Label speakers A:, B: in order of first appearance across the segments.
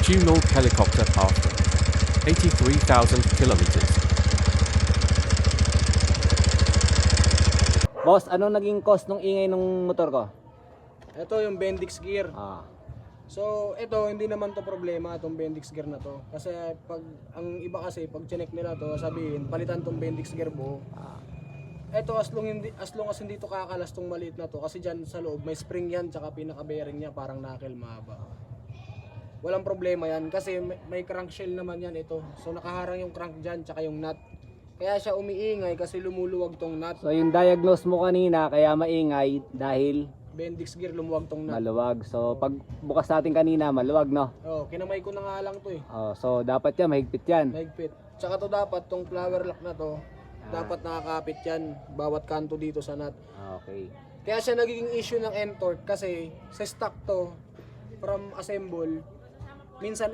A: Tunal helicopter pathway. 83,000 kilometers.
B: Boss, ano naging cost nung ingay nung motor ko?
C: Ito yung Bendix gear.
B: Ah,
C: So, ito hindi naman to problema itong Bendix gear na to. Kasi pag ang iba kasi pag chinek nila to, sabihin palitan tong Bendix gear buo. Ito as long as hindi to kakalas tong maliit na to kasi diyan sa loob may spring yan tsaka pinaka bearing niya parang knuckle mahaba. Walang problema yan kasi may crankshell naman yan ito. So nakaharang yung crank diyan tsaka yung nut. Kaya siya umiingay kasi lumuluwag tong nut.
B: so yung diagnose mo kanina kaya maingay dahil
C: Bendix gear lumuwag tong nut.
B: maluwag. So pag bukas natin kanina maluwag, no?
C: Oh, kinamay ko na nga lang to eh.
B: Oh, so dapat yan mahigpit yan.
C: Mahigpit. Tsaka to dapat tong flower lock na to, dapat nakakapit yan bawat kanto dito sa nut.
B: Okay.
C: Kaya siya nagiging issue ng N-torque kasi sa stock to from assemble, minsan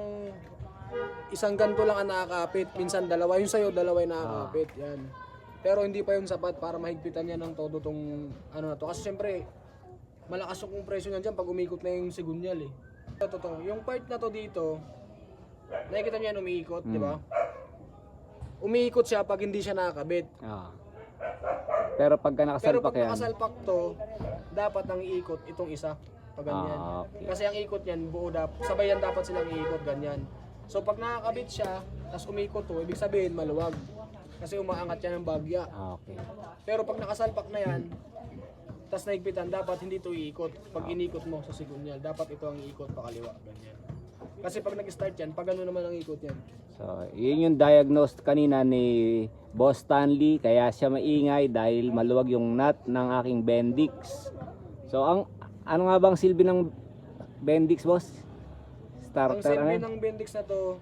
C: isang ganto lang ang nakakapit, minsan dalawa. Yung sa'yo, dalawa yung nakakapit. Yan. Pero hindi pa yun sapat para mahigpitan yan ng todo tong ano na to. Kasi syempre, malakas yung compression yan dyan pag umikot na yung sigunyal eh. Totoo. Yung part na to dito, nakikita niyo yan umiikot, di ba? Umiikot siya pag hindi siya nakakabit.
B: Ah. Pero pagka
C: Pero
B: nakasalpak
C: pag
B: yan.
C: nakasalpak to, dapat ang iikot itong isa. Pag ganyan.
B: Okay.
C: Kasi ang ikot niyan, buo sabay yan dapat silang iikot ganyan. So pag nakakabit siya, tapos umikot to, ibig sabihin maluwag. Kasi umaangat yan ng bagya.
B: Okay.
C: Pero pag nakasalpak na yan, tapos naigpitan, dapat hindi to iikot. Pag inikot mo sa sigunyal, dapat ito ang iikot pakaliwa. Ganyan. Kasi pag nag-start yan, pag ano naman ang ikot yan.
B: So, yun yung diagnosed kanina ni Boss Stanley, kaya siya maingay dahil maluwag yung nut ng aking Bendix. So, ano nga bang silbi ng Bendix, boss?
C: Ang
B: Starter
C: silbi
B: ano?
C: ng Bendix na to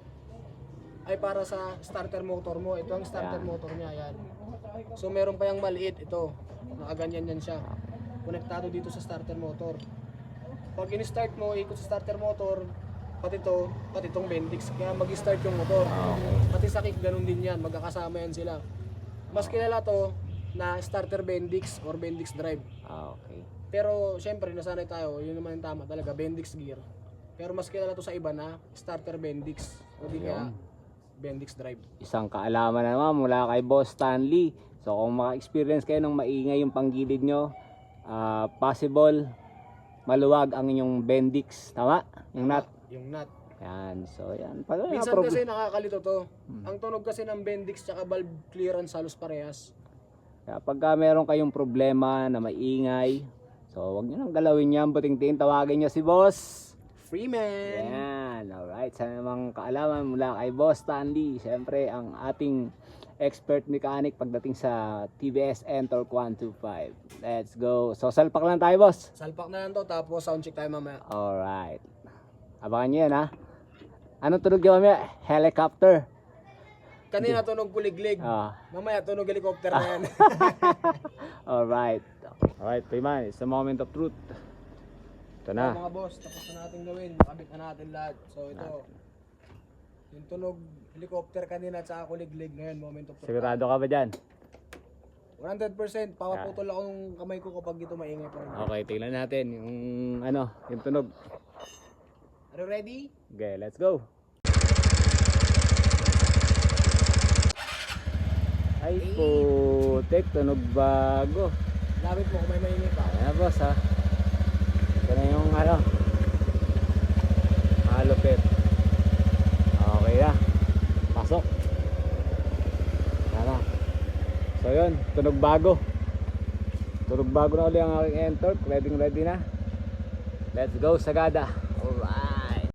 C: ay para sa starter motor mo. Ito ang starter motor niya, yan. So meron pa yung maliit ito. Nakaganyan yan siya. Konektado dito sa starter motor. Pag in-start mo, ikot sa starter motor, pati itong Bendix, kaya mag-start yung motor. Pati sa kick, ganun din yan. Magkakasama yan sila. Mas kilala to na starter Bendix or Bendix drive.
B: Okay.
C: Pero syempre, nasanay tayo, yun naman yung tama talaga, Bendix gear. Pero mas kilala to sa iba na starter Bendix. O di kaya Bendix drive.
B: Isang kaalaman naman mula kay Boss Stanley. So, kung maka-experience kayo ng maingay yung panggilid nyo, possible maluwag ang inyong Bendix. Tama? Yung nut.
C: Yung nut.
B: Yan. So, yan.
C: Minsan kasi nakakalito to. Ang tunog kasi ng Bendix tsaka valve clearance halos parehas.
B: Kaya pagka meron kayong problema na maingay, so huwag nyo nang galawin yan. Buting-tingin, tawagin nyo si Boss.
C: Freeman!
B: Yan. Alright. Sa namang kaalaman mula kay Boss Stanley. Siyempre, ang ating expert mechanic pagdating sa TVS N-Torque 125. Let's go. So, salpak lang tayo, boss.
C: Salpak na lang to tapos sound check tayo mamaya.
B: Alright. Abangan nyo yan, ha? Anong tunog nyo mamaya? Helicopter.
C: Kanina tunog kuliglig. Mamaya tunog helicopter na yan.
B: Alright. Alright, Payman. It's the moment of truth. Ito na.
C: Mga boss, tapos na natin gawin. Nakabit na natin lahat. So ito, yung tunog helicopter kanina at saka kuliglig ngayon, moment of truth.
B: Sigurado ka ba dyan?
C: 100%. Papaputol ako ng kamay ko kapag ito maingay pa rin.
B: Okay, tingnan natin yung yung tunog.
C: Are you ready?
B: Okay, let's go. Ay putik, tunog bago.
C: Lapit mo kung may maingay pa.
B: Ayan, boss, ha. Ito na yung malupit. Okay na. Pasok. Tara. So yun, tunog bago. Tunog bago na uli ang aking N-Torque. Ready na. Let's go, Sagada. Alright.